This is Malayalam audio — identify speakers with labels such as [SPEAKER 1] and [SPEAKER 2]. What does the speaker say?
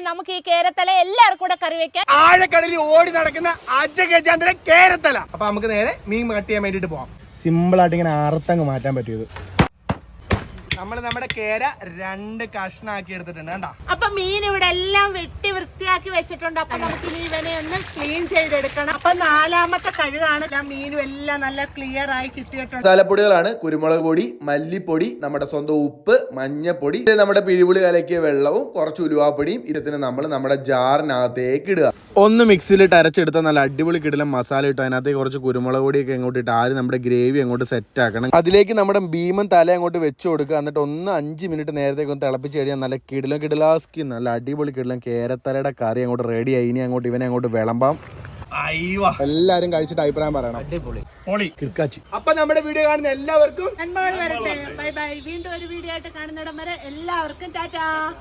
[SPEAKER 1] നമുക്ക് ഈ കേരത്തല എല്ലാവർക്കും കൂടെ കറി വെക്കാം.
[SPEAKER 2] ആഴക്കടലിൽ ഓടി നടക്കുന്ന അജഗജാന്തര കേരത്തല. അപ്പൊ നമുക്ക് നേരെ മീൻ കട്ട് ചെയ്യാൻ വേണ്ടിട്ട് പോവാം. സിമ്പിൾ ആയിട്ട് ഇങ്ങനെ അറുത്തങ്ങ് മാറ്റാൻ പറ്റിയത്. നമ്മൾ നമ്മുടെ കേര 2 കഷ്ണാക്കി എടുത്തിട്ടുണ്ട് കേട്ടോ.
[SPEAKER 1] അപ്പൊ മീൻ ഇവിടെ എല്ലാം വെട്ടി വൃത്തിയാക്കി വെച്ചിട്ടുണ്ട്. അപ്പൊ നമുക്ക് ഇനി ഇവനെ ഒന്ന് ക്ലീൻ ചെയ്തെടുക്കണം. അപ്പൊ 4ാമത്തെ കഴുകാണ്. മീനും എല്ലാം നല്ല ക്ലിയർ ആയി കിട്ടിയിട്ടുണ്ട്.
[SPEAKER 3] മസാലപ്പൊടികളാണ് കുരുമുളക് പൊടി, മല്ലിപ്പൊടി, നമ്മുടെ സ്വന്തം ഉപ്പ്, മഞ്ഞപ്പൊടി, നമ്മുടെ പിഴിപുളി കലക്കിയ വെള്ളവും കുറച്ച് ഉലുവാപ്പൊടിയും ഇതിന് നമ്മൾ നമ്മുടെ ജാറിനകത്തേക്ക് ഇടുക. ഒന്ന് മിക്സിയിലിട്ട് അരച്ചെടുത്താൽ നല്ല അടിപൊളി കിടലം മസാല ഇട്ടു. അതിനകത്തേക്ക് കുറച്ച് കുരുമുളക് പൊടിയൊക്കെ അങ്ങോട്ട് ഇട്ട് ആദ്യം നമ്മുടെ ഗ്രേവി അങ്ങോട്ട് സെറ്റ് ആക്കണം. അതിലേക്ക് നമ്മുടെ ഭീമൻ തല അങ്ങോട്ട് വെച്ച് കൊടുക്കുക. എന്നിട്ട് ഒന്ന് 5 മിനിറ്റ് നേരത്തേക്ക് ഒന്ന് തിളപ്പിച്ച് കഴിഞ്ഞാൽ നല്ല കിടലാസ്കി നല്ല അടിപൊളി കിടലം കേരത്തലയുടെ കറി അങ്ങോട്ട് റെഡിയായി. ഇനി അങ്ങോട്ട് ഇവനെ അങ്ങോട്ട് വിളമ്പാം. എല്ലാരും കഴിച്ചിട്ട് അഭിപ്രായം പറയണം. അപ്പൊ നമ്മുടെ വീഡിയോ കാണുന്ന എല്ലാവർക്കും
[SPEAKER 1] നന്മകൾ വരട്ടെ. Bye bye. വീണ്ടും ഒരു വീഡിയോ ആയിട്ട് കാണുന്നിടം വരെ എല്ലാവർക്കും ടാറ്റാ.